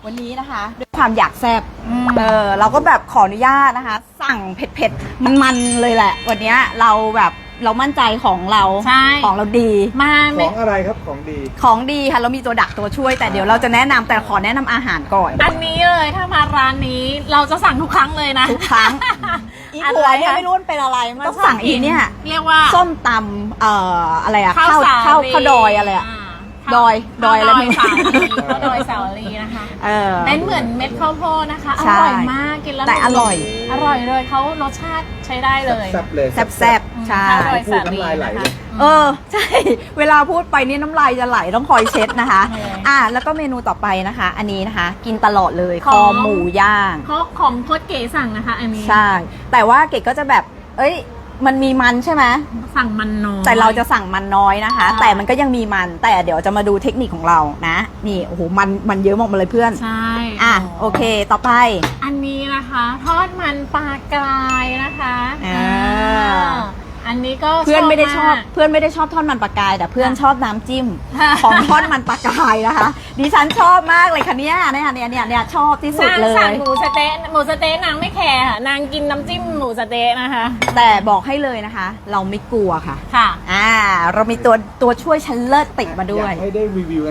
วันนี้นะคะด้วยความอยากแซ่บเราก็แบบขออนุญาตนะคะ สั่งเผ็ดๆมันๆเลยแหละ วันนี้เราแบบเรามั่นใจของเราของเราดีของอะไรครับของดีค่ะเรามีตัวดักตัวช่วยแต่เดี๋ยวเราจะแนะนำแต่ขอแนะนำอาหารก่อนอันนี้เลยถ้ามาร้านนี้เราจะสั่งทุกครั้งเลยนะทุกครั้งอีหัวเนี่ยไม่รู้เป็นอะไรมันต้องสั่งอีเนี่ยเรียกว่าส้มตำอะไรอะข้าวดอยอะไรอะดอยอะไรไม่รู้ข้าวดอยสาวรีนะคะเป็นเหมือนเม็ดข้าวโพดนะคะอร่อยมากกินแล้วแต่อร่อยเลยเขารสชาติใช้ได้เลยแซ่บใช่พูดน้ำลายไหลเลยใช่เวลาพูดไปนี่น้ำลายจะไหลต้องคอยเช็ดนะคะแล้วก็เมนูต่อไปนะคะอันนี้นะคะกินตลอดเลยคอหมูย่างของโคตรเก๋สั่งนะคะอันนี้ใช่แต่ว่าเก๋ก็จะแบบมันมีมันใช่ไหมสั่งมันน้อยแต่เราจะสั่งมันน้อยนะคะแต่มันก็ยังมีมันแต่เดี๋ยวจะมาดูเทคนิคของเรานะนี่โอ้โหมันเยอะมากเลยเพื่อนใช่โอเคต่อไปอันนี้นะคะทอดมันปลากรายนะคะอันนี้ก็เพื่อนไม่ได้ชอบทอดมันปลากรายแต่เพื่อนชอบน้ำจิ้มของทอดมันปลากรายนะคะดิฉันชอบมากเลยค่ะเนี่ยชอบที่สุดเลยสั่งหมูสะเต๊ะนางไม่แคร์ค่ะนางกินน้ำจิ้มหมูสะเต๊ะนะคะแต่บอกให้เลยนะคะเราไม่กลัวค่ะเรามีตัวช่วยชั้นเลิศติดมาด้วยให้ได้รีวิว